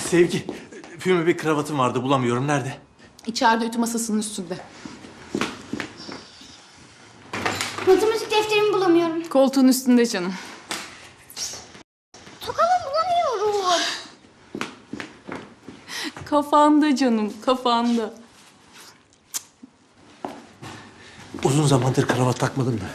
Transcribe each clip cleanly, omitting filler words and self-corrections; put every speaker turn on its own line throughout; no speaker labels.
Sevgi, füme bir kravatım vardı, bulamıyorum. Nerede?
İçeride ütü masasının üstünde.
Matematik defterimi bulamıyorum.
Koltuğun üstünde canım.
Tokamı bulamıyorum.
Kafanda canım, kafanda.
Uzun zamandır kravat takmadım da.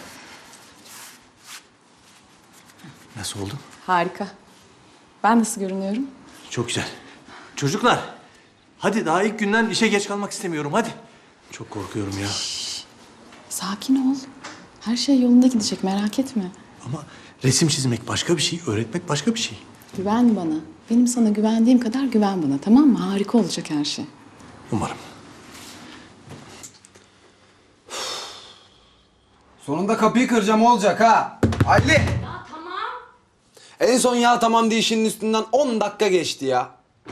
Nasıl oldu?
Harika. Ben nasıl görünüyorum?
Çok güzel. Çocuklar, hadi daha ilk günden işe geç kalmak istemiyorum, hadi. Çok korkuyorum ya.
Sakin ol. Her şey yolunda gidecek, merak etme.
Ama resim çizmek başka bir şey, öğretmek başka bir şey.
Güven bana. Benim sana güvendiğim kadar güven bana, tamam mı? Harika olacak her şey.
Umarım.
Sonunda kapıyı kıracağım olacak ha. Ali! Ya tamam. En son ya tamam deyişinin üstünden 10 dakika geçti ya.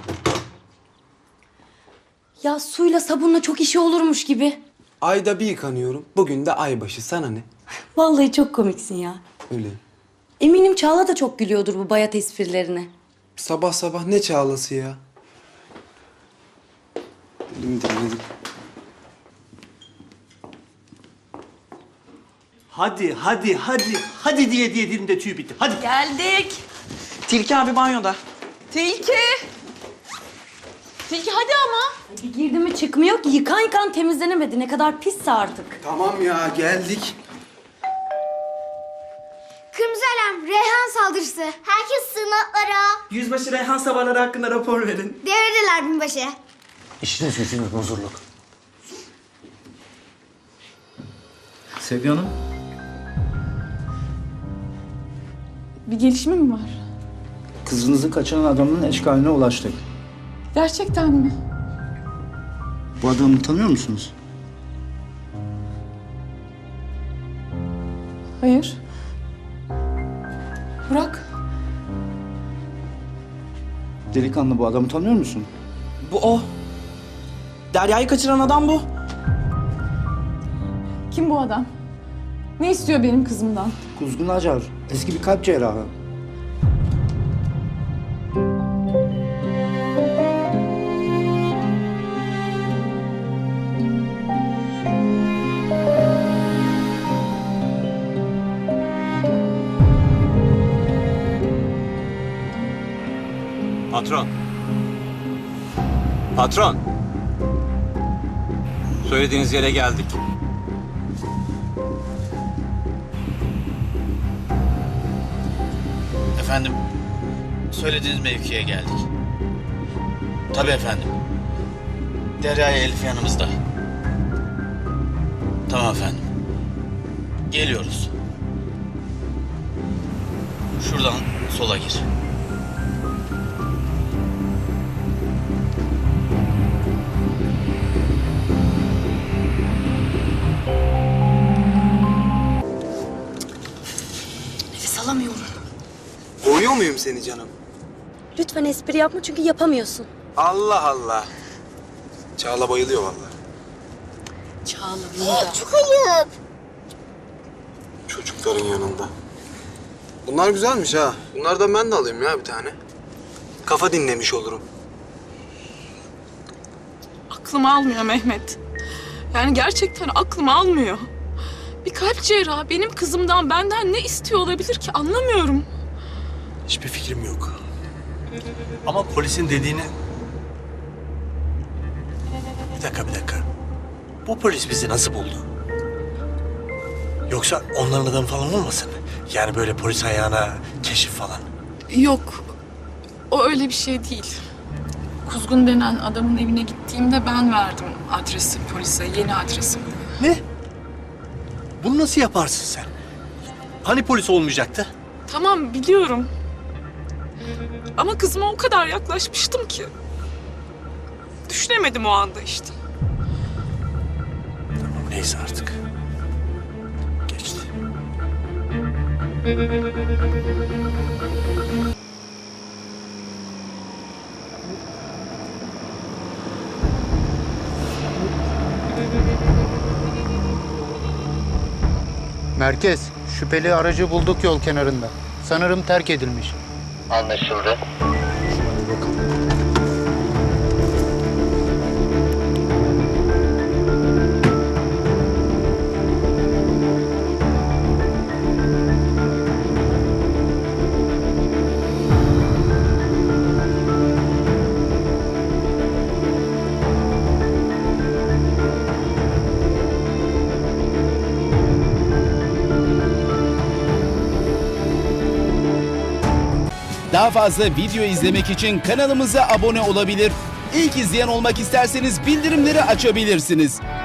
Ya suyla sabunla çok işi olurmuş gibi.
Ayda bir yıkanıyorum. Bugün de aybaşı. Sana ne?
Vallahi çok komiksin ya.
Öyle.
Eminim Çağla da çok gülüyordur bu bayat esprilerine.
Sabah sabah ne çağlası ya? Elim dinledim.
Hadi, hadi, hadi, hadi diye dilimde tüy bitti. Hadi.
Geldik. Tilki abi banyoda. Tilki. Tilki hadi ama.
Bir girdi mi çıkmıyor ki. Yıkan temizlenemedi. Ne kadar pisse artık.
Tamam ya geldik.
Kırmızı alarm, Reyhan saldırısı. Herkes sığınaklara.
Yüzbaşı Reyhan sabahları hakkında rapor verin.
Devredeler binbaşı.
İşiniz gücünüz huzurluk.
Sevgi Hanım,
Bir gelişme mi var?
kızınızı kaçıran adamın eşkaline ulaştık.
Gerçekten mi?
Bu adamı tanıyor musunuz?
Hayır. Burak.
Delikanlı, bu adamı tanıyor musun?
Bu o. Derya'yı kaçıran adam bu.
Kim bu adam? Ne istiyor benim kızımdan?
Kuzgun Acar, eski bir kalp cerrahı.
Patron. Patron. Söylediğiniz yere geldik.
Efendim, söylediğiniz mevkiye geldik. Tabii efendim. Derya ile Elif yanımızda. Tamam efendim. Geliyoruz. Şuradan sola gir.
Nefes alamıyorum.
Boğuyor muyum seni canım?
Lütfen espri yapma çünkü yapamıyorsun.
Allah Allah. Çağla bayılıyor vallahi.
Çağla burada.
Çok ayıp.
Çocukların yanında. Bunlar güzelmiş ha. Bunlardan ben de alayım ya bir tane. Kafa dinlemiş olurum.
Aklım almıyor Mehmet. Yani gerçekten aklım almıyor. Bir kalp cerrahı benim kızımdan, benden ne istiyor olabilir ki, anlamıyorum.
Hiçbir fikrim yok. Ama polisin dediğini... Bir dakika. Bu polis bizi nasıl buldu? Yoksa onların adamı falan olmasın? Yani böyle polis ayağına keşif falan.
Yok, o öyle bir şey değil. Kuzgun denen adamın evine gittiğimde ben verdim adresi polise, yeni adresi.
Ne? Bunu nasıl yaparsın sen? Hani polis olmayacaktı?
Tamam, biliyorum. Ama kızıma o kadar yaklaşmıştım ki. Düşünemedim o anda işte.
Tamam, neyse artık. Geçti.
Merkez, şüpheli aracı bulduk yol kenarında. Sanırım terk edilmiş.
Anlaşıldı.
Hadi bakalım.
Daha fazla video izlemek için kanalımıza abone olabilir. İlk izleyen olmak isterseniz bildirimleri açabilirsiniz.